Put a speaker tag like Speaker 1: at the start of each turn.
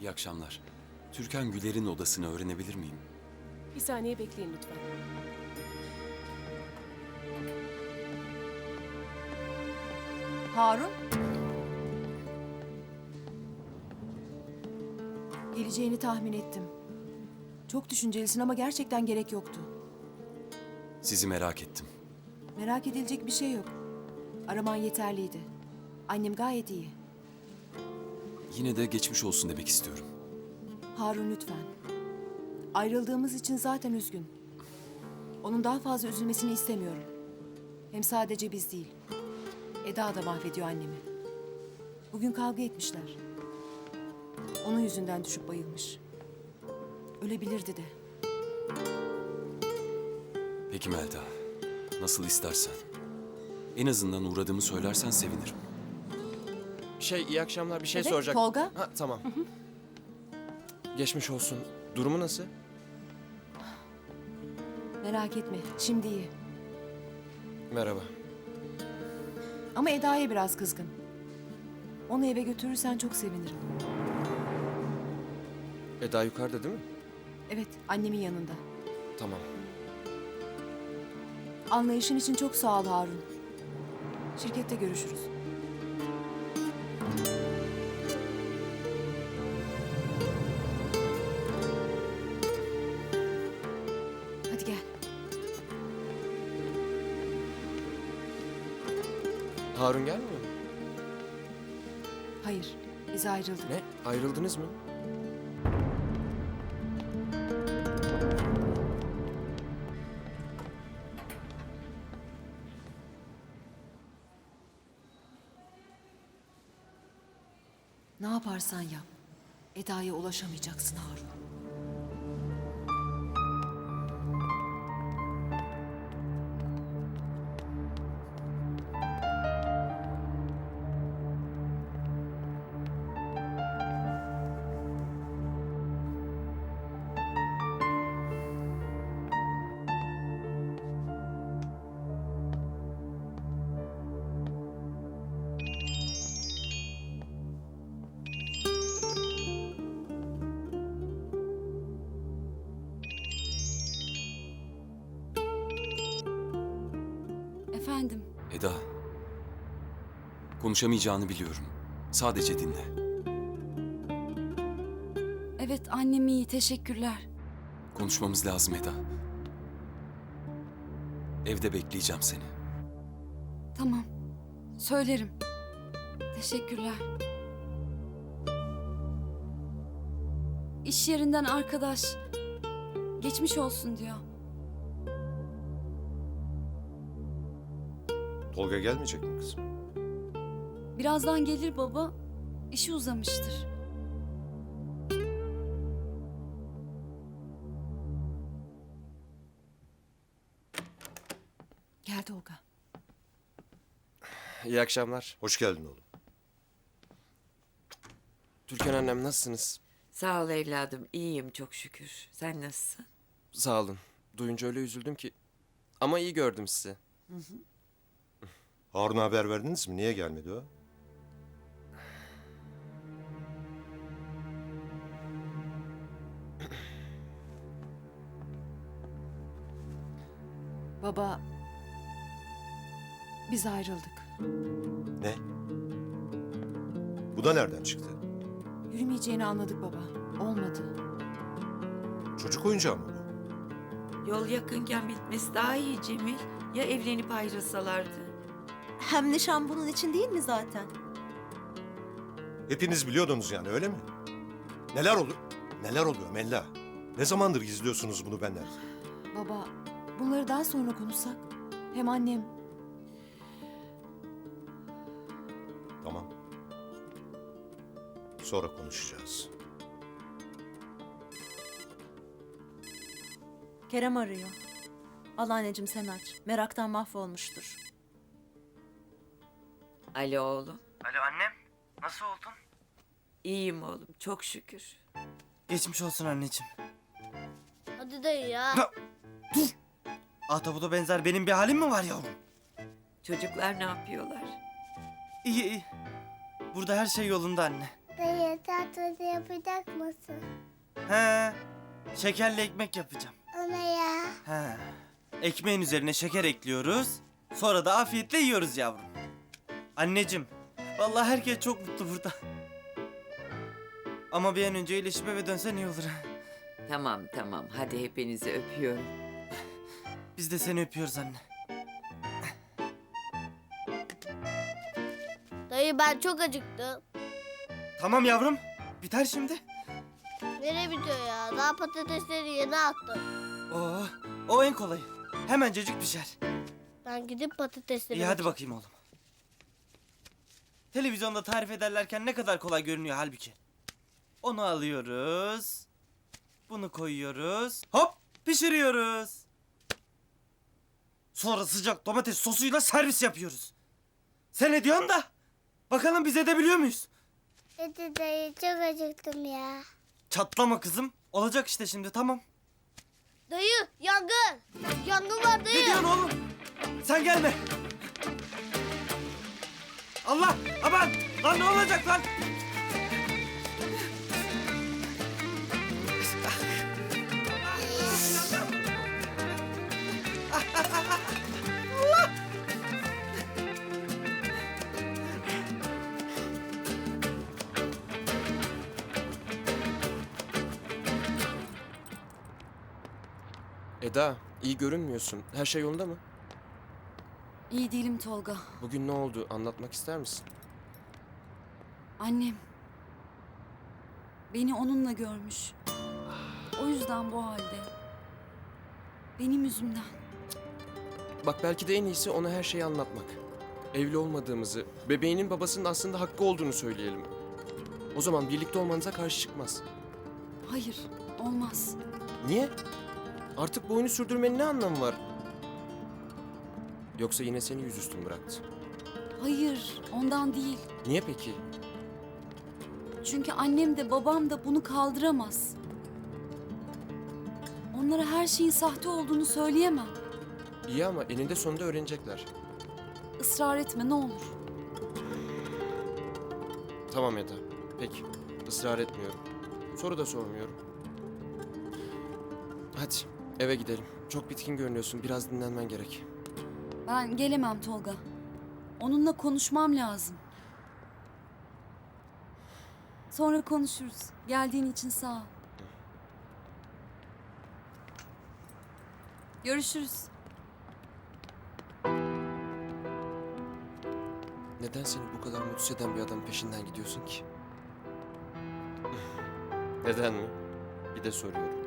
Speaker 1: İyi akşamlar. Türkan Güler'in odasını öğrenebilir miyim?
Speaker 2: Bir saniye bekleyin lütfen.
Speaker 3: Harun? Geleceğini tahmin ettim. Çok düşüncelisin ama gerçekten gerek yoktu.
Speaker 1: Sizi merak ettim.
Speaker 3: Merak edilecek bir şey yok. Araman yeterliydi. Annem gayet iyi.
Speaker 1: Yine de geçmiş olsun demek istiyorum.
Speaker 3: Harun lütfen. Ayrıldığımız için zaten üzgün. Onun daha fazla üzülmesini istemiyorum. Hem sadece biz değil. Eda da mahvediyor annemi. Bugün kavga etmişler. Onun yüzünden düşüp bayılmış. Ölebilirdi de.
Speaker 1: Peki Melda. Nasıl istersen. En azından uğradığımı söylersen sevinirim.
Speaker 4: İyi akşamlar. Bir şey
Speaker 3: Evet,
Speaker 4: soracak.
Speaker 3: Tolga.
Speaker 4: Ha, tamam. Geçmiş olsun. Durumu nasıl?
Speaker 3: Merak etme, şimdi iyi.
Speaker 4: Merhaba.
Speaker 3: Ama Eda'ya biraz kızgın. Onu eve götürürsen çok sevinirim.
Speaker 4: Eda yukarıda değil mi?
Speaker 3: Evet, annemin yanında.
Speaker 4: Tamam.
Speaker 3: Anlayışın için çok sağ ol Harun. Şirkette görüşürüz. Hadi gel.
Speaker 4: Harun gelmiyor mu?
Speaker 3: Hayır, biz ayrıldık.
Speaker 4: Ne? Ayrıldınız mı?
Speaker 3: Ne yaparsan yap, Eda'ya ulaşamayacaksın Harun.
Speaker 5: Efendim,
Speaker 1: Eda. Konuşamayacağını biliyorum. Sadece dinle.
Speaker 5: evet annem iyi, teşekkürler.
Speaker 1: Konuşmamız lazım Eda. Evde bekleyeceğim seni.
Speaker 5: Tamam, söylerim. Teşekkürler. İş yerinden arkadaş, geçmiş olsun diyor.
Speaker 6: Tolga gelmeyecek mi kızım?
Speaker 5: Birazdan gelir baba, işi uzamıştır.
Speaker 3: Gel Tolga.
Speaker 4: İyi akşamlar.
Speaker 6: Hoş geldin oğlum.
Speaker 4: Türkan annem nasılsınız?
Speaker 7: Sağ ol evladım, iyiyim çok şükür. Sen nasılsın?
Speaker 4: Sağ olun. Duyunca öyle üzüldüm ki. Ama iyi gördüm sizi.
Speaker 6: Harun'a haber verdiniz mi? Niye gelmedi o?
Speaker 3: Baba, biz ayrıldık.
Speaker 6: Ne? Bu da nereden çıktı?
Speaker 3: Yürümeyeceğini anladık baba. Olmadı.
Speaker 6: Çocuk oyuncağı mı bu?
Speaker 7: Yol yakınken bitmesi daha iyi Cemil. Ya evlenip ayrılsalardı?
Speaker 8: Hem nişan bunun için değil mi zaten?
Speaker 6: Hepiniz biliyordunuz yani öyle mi? Neler oluyor? Neler oluyor Mella? Ne zamandır gizliyorsunuz bunu benden?
Speaker 3: Baba, bunları daha sonra konuşsak. Hem annem...
Speaker 6: Tamam. Sonra konuşacağız.
Speaker 8: Kerem arıyor. Al anneciğim sen aç. Meraktan mahvolmuştur.
Speaker 7: Alo oğlum.
Speaker 9: Alo annem, nasıl oldun?
Speaker 7: İyiyim oğlum çok şükür.
Speaker 9: Geçmiş olsun anneciğim.
Speaker 10: Hadi dayı ya.
Speaker 9: Ahtapotu benzer benim bir halim mi var yavrum?
Speaker 7: Çocuklar ne yapıyorlar?
Speaker 9: İyi iyi. Burada her şey yolunda anne.
Speaker 10: Dayı tatlı yapacak mısın?
Speaker 9: He. Şekerli ekmek yapacağım.
Speaker 10: Ona ya.
Speaker 9: He. Ekmeğin üzerine şeker ekliyoruz. Sonra da afiyetle yiyoruz yavrum. Anneciğim, vallahi herkes çok mutlu burada. Ama bir an önce iyileşip eve dönsen iyi olur.
Speaker 7: Tamam tamam hadi hepinizi öpüyorum.
Speaker 9: Biz de seni öpüyoruz anne.
Speaker 10: Dayı ben çok acıktım.
Speaker 9: Tamam yavrum, biter şimdi.
Speaker 10: Nereye bitiyor ya? Daha patatesleri yeni attım.
Speaker 9: O en kolayı. Hemencecik pişer.
Speaker 10: Ben gidip patatesleri...
Speaker 9: İyi hadi bakayım oğlum. Televizyonda tarif ederlerken ne kadar kolay görünüyor halbuki. Onu alıyoruz. Bunu koyuyoruz. Hop pişiriyoruz. Sonra sıcak domates sosuyla servis yapıyoruz. Sen ne diyorsun da? Bakalım biz edebiliyor muyuz?
Speaker 10: Hadi dayı çok acıktım ya.
Speaker 9: Çatlama kızım. Olacak işte şimdi tamam.
Speaker 10: Dayı yangın. Yangın var dayı.
Speaker 9: Ne diyorsun oğlum? Sen gelme. Allah! Aman! Lan ne olacak lan?
Speaker 4: Eda, iyi görünmüyorsun. Her şey yolunda mı?
Speaker 5: İyi değilim Tolga.
Speaker 4: Bugün ne oldu? Anlatmak ister misin?
Speaker 5: Annem. Beni onunla görmüş. O yüzden bu halde. Benim yüzümden.
Speaker 4: Bak belki de en iyisi ona her şeyi anlatmak. Evli olmadığımızı, bebeğinin babasının aslında hakkı olduğunu söyleyelim. O zaman birlikte olmanıza karşı çıkmaz.
Speaker 5: Hayır, olmaz.
Speaker 4: Niye? Artık bu oyunu sürdürmenin ne anlamı var? Yoksa yine seni yüzüstü mü bıraktı?
Speaker 5: Hayır, ondan değil.
Speaker 4: Niye peki?
Speaker 5: Çünkü annem de babam da bunu kaldıramaz. Onlara her şeyin sahte olduğunu söyleyemem.
Speaker 4: İyi ama eninde sonunda öğrenecekler.
Speaker 5: Israr etme ne olur.
Speaker 4: Tamam Eda. Peki. Israr etmiyorum. Soru da sormuyorum. Hadi eve gidelim. Çok bitkin görünüyorsun. Biraz dinlenmen gerek.
Speaker 5: Ben gelemem Tolga. Onunla konuşmam lazım. Sonra konuşuruz. Geldiğin için sağ ol. Görüşürüz.
Speaker 4: Neden seni bu kadar mutsuz eden bir adamın peşinden gidiyorsun ki? Neden mi? Bir de soruyorum.